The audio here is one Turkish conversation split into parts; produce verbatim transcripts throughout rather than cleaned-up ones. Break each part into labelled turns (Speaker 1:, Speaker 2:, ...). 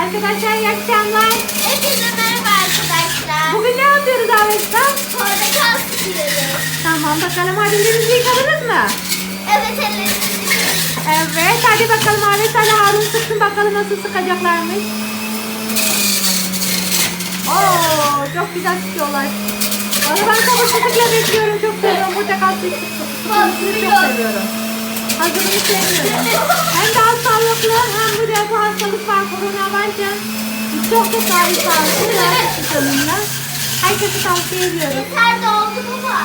Speaker 1: Arkadaşlar iyi akşamlar.
Speaker 2: Hepinize merhaba arkadaşlar.
Speaker 1: Bugün ne yapıyoruz Aves'ta?
Speaker 2: Portakal sıkıyoruz.
Speaker 1: Tamam bakalım hadi elinizi yıkadınız mı?
Speaker 2: Evet ellerimizi yıkıyoruz.
Speaker 1: Evet hadi bakalım Aves hadi Harun sıksın bakalım nasıl sıkacaklarmış. Oo çok güzel sıkıyorlar. Valla ben sabırsızlıkla bekliyorum. Çok seviyorum portakal sıkmasını çok seviyorum. Hazırını sevmiyorum. Hem daha sağlıklı hem bu defa hastalık var korona bence. Çok çok daha iyi sağlıklı. Daha herkese tavsiye ediyorum.
Speaker 2: Yeter doldu baba.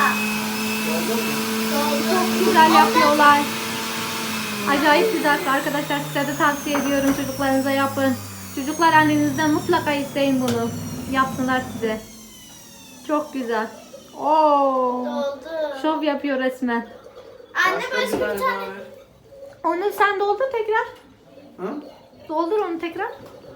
Speaker 1: Çok güzel yapıyorlar. Acayip güzel arkadaşlar. Size de tavsiye ediyorum. Çocuklarınıza yapın. Çocuklar annenizden mutlaka isteyin bunu. Yapsınlar size. Çok güzel. Oo.
Speaker 2: Doldu.
Speaker 1: Şov yapıyor resmen.
Speaker 2: Anne başka bir tane.
Speaker 1: Onu sen doldur tekrar.
Speaker 3: Ha?
Speaker 1: Doldur onu tekrar.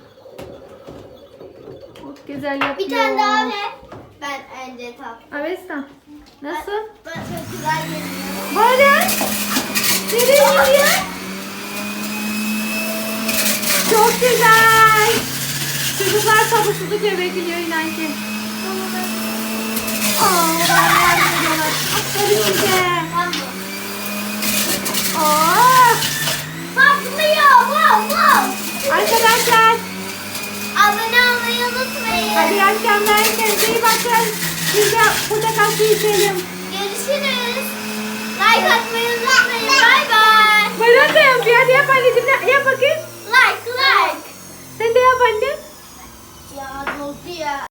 Speaker 1: Çok güzel yapıyor.
Speaker 2: Bir tane daha ver. Ben önce tap.
Speaker 1: Avesta. Nasıl?
Speaker 2: Ben çok güzel geliyor.
Speaker 1: Böyle. Nereye gidiyor? Çok güzel. Çocuklar sabırsızlıkla bekliyor inan ki. Aa, yardım ediyorlar. Aferin size.
Speaker 2: Tamam.
Speaker 1: Aa,
Speaker 2: Patlıyor. Wow wow.
Speaker 1: arkadaşlar.
Speaker 2: Abone olmayı unutmayın.
Speaker 1: Hadi iyi akşamlar. Kendinize iyi bakın. Biz de portakal suyu içelim.
Speaker 2: Görüşürüz. Like atmayı unutmayın. Bay bay.
Speaker 1: Bayram da yapıyor. Hadi yap anneciğim. Yap bakayım.
Speaker 2: Like like.
Speaker 1: Sen de yap anne.
Speaker 2: Ya doldu ya.